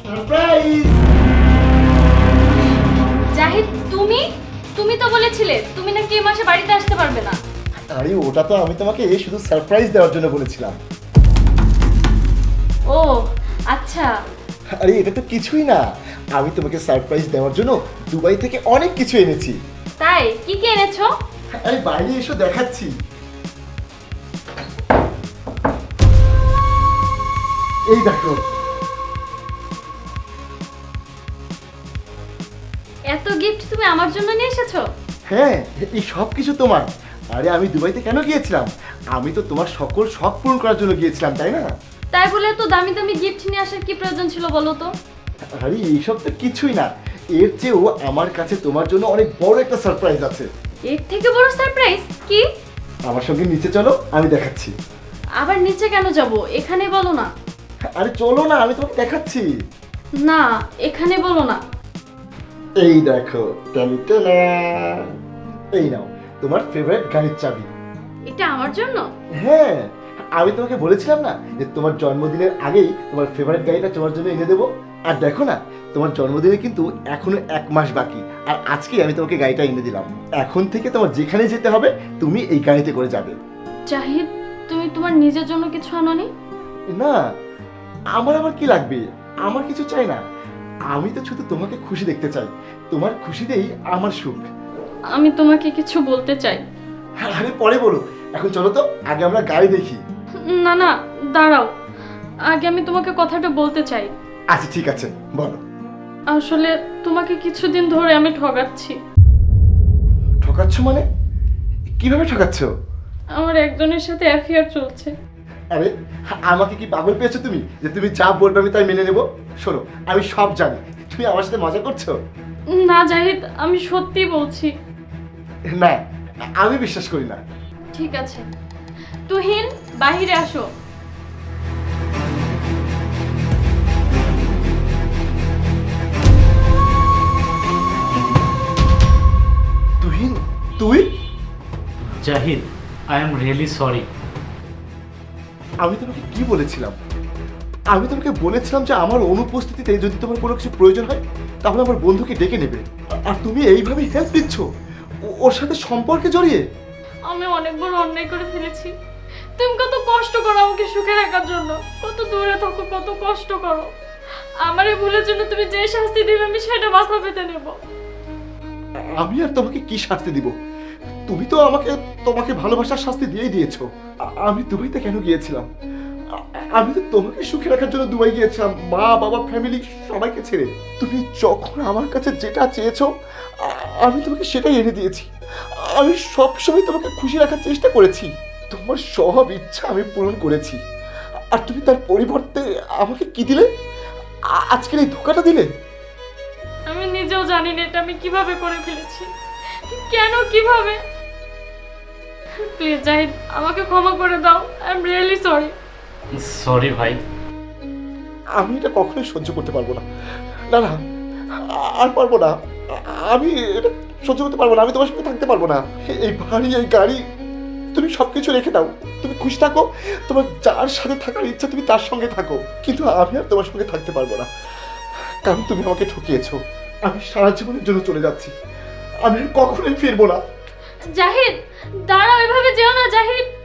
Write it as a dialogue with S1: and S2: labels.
S1: Surprise.
S2: Zahid, তুমি তুমি তো বলেছিলে তুমি নাকি এই মাসে বাড়িতে আসতে পারবে না।
S1: আরে ওটা তো আমি তোমাকে শুধু সারপ্রাইজ দেওয়ার জন্য বলেছিলাম।
S2: ও আচ্ছা।
S1: আরে এটা তো কিছুই না, আমি তোমাকে সারপ্রাইজ দেওয়ার জন্য দুবাই থেকে অনেক কিছু এনেছি।
S2: তাই কি কি এনেছো?
S1: আরে বাইরে এসো দেখাচ্ছি। এই দেখো।
S2: এত গিফট তুমি আমার জন্য নিয়ে এসেছো?
S1: হ্যাঁ, এই সব কিছু তোমার। আরে আমি দুবাইতে কেন গিয়েছিলাম? আমি তো তোমার সকল শখ পূরণ করার জন্য গিয়েছিলাম, তাই না?
S2: তাই বলে তো দামি দামি গিফট নিয়ে আসার কি প্রয়োজন ছিল বলো তো?
S1: আরে এইসব তো কিছুই না, এর চেয়েও আমার কাছে তোমার জন্য অনেক বড় একটা সারপ্রাইজ আছে।
S2: এর থেকে বড় সারপ্রাইজ কি?
S1: আমার সঙ্গে নিচে চলো, আমি দেখাচ্ছি।
S2: আবার নিচে কেন যাব, এখানে বলো না।
S1: আরে চলো না, আমি তোমাকে দেখাচ্ছি।
S2: না, এখানে বলো না।
S1: এই দেখো, টানটানা। এই নাও তোমার ফেভারিট গাড়ির চাবি।
S2: এটা আমার জন্য?
S1: হ্যাঁ, আমি তোমাকে বলেছিলাম না যে তোমার জন্মদিনের আগেই তোমার ফেভারিট গাড়িটা তোমার জন্য এনে দেবো। আর দেখো না, তোমার জন্মদিনে কিন্তু এখনো 1 মাস বাকি, আর আজকেই আমি তোমাকে গাড়িটা এনে দিলাম। এখন থেকে তোমার যেখানে যেতে হবে তুমি এই গাড়িতে করে যাবে।
S2: জাহিদ, তুমি তোমার নিজের জন্য কিছু আনোনি?
S1: না, আমার আবার কি লাগবে? আমার কিছু চাই না, আমি তো শুধু তোমাকে খুশি দেখতে চাই। তোমার খুশিতেই আমার সুখ।
S2: আমি তোমাকে কিছু বলতে চাই।
S1: আরে পরে বলো, এখন চলো তো, আগে আমরা গাড়ি দেখি।
S2: না না, দাঁড়াও, আগে আমি তোমাকে কথাটা বলতে চাই।
S1: আচ্ছা ঠিক আছে, বলো।
S2: আসলে তোমাকে কিছুদিন ধরে আমি ঠকাচ্ছি।
S1: ঠকাচ্ছ মানে? কিভাবে ঠকাচ্ছ?
S2: আমার একজনের সাথে অ্যাফেয়ার চলছে।
S1: আরে আমাকে কি পাগল পেয়েছো তুমি যে তুমি যা বলবে আমি তাই মেনে নেব? শোনো, আমি সব জানি, তুমি আমার সাথে মজা করছো।
S2: না জাহিদ, আমি সত্যি বলছি।
S1: না, আমি বিশ্বাস করি না।
S2: ঠিক আছে, তুহিন বাহিরে আসো।
S1: তুহিন, তুই?
S3: Zahid, I am really sorry.
S1: আমি তোমাকে কি বলেছিলাম? আমি তোমাকে বলেছিলাম যে আমার অনুপস্থিতিতে যদি তোমার কোনো কিছু প্রয়োজন হয় তাহলে আমার বন্ধুকে ডেকে নেবে, আর তুমি এইভাবে হেল্প দিচ্ছ ওর সাথে সম্পর্কে জড়িয়ে।
S2: আমি অনেক বড় অন্যায় করে ফেলেছি। তুমি কত কষ্ট করো আমাকে সুখে রাখার জন্য, কত দূরে থাকো, কত কষ্ট করো। আমার এই ভুলের জন্য তুমি যে শাস্তি দিবে আমি সেটা মাথা পেতে নেব।
S1: আমি আর তোমাকে কি শাস্তি দিব? তুমি তো আমাকে তোমাকে ভালোবাসার শাস্তি দিয়েই দিয়েছো। আমি দুবাইতে কেন গিয়েছিলাম? আমি তো তোমাকে সুখে রাখার জন্য দুবাই গিয়েছিলাম, মা বাবা ফ্যামিলি সবাইকে ছেড়ে। তুমি যখন আমার কাছে যেটা চেয়েছো আমি তোমাকে সেটাই এনে দিয়েছি। আমি সবসময় তোমাকে খুশি রাখার চেষ্টা করেছি, তোমার সব ইচ্ছা আমি পূরণ করেছি। আর তুমি তার পরিবর্তে আমাকে কি দিলে? আজকের এই ধোকাটা দিলে।
S2: আমি নিজেও জানি না এটা আমি কিভাবে করে ফেলেছি, কেন, কিভাবে। প্লিজ জাহিদ, আমাকে ক্ষমা করে দাও। I am really sorry.
S3: Sorry ভাই।
S1: আমি এটা কখনোই সহ্য করতে পারবো না। না না, আর পারবো না। আমি এটা সহ্য করতে পারবো না, আমি তোমার সঙ্গে থাকতে পারবো না। এই বাড়ি, এই গাড়ি, তুমি সবকিছু রেখে দাও, তুমি খুশি থাকো। তোমার যার সাথে থাকার ইচ্ছা তুমি তার সঙ্গে থাকো, কিন্তু আমি আর তোমার সঙ্গে থাকতে পারবো না, কারণ তুমি আমাকে ঠকিয়েছো। আমি সারা জীবনের জন্য চলে যাচ্ছি, আমি আর কখনোই ফিরবো না।
S2: জাহিদ দাঁড়াও, এভাবে যেও না জাহিদ।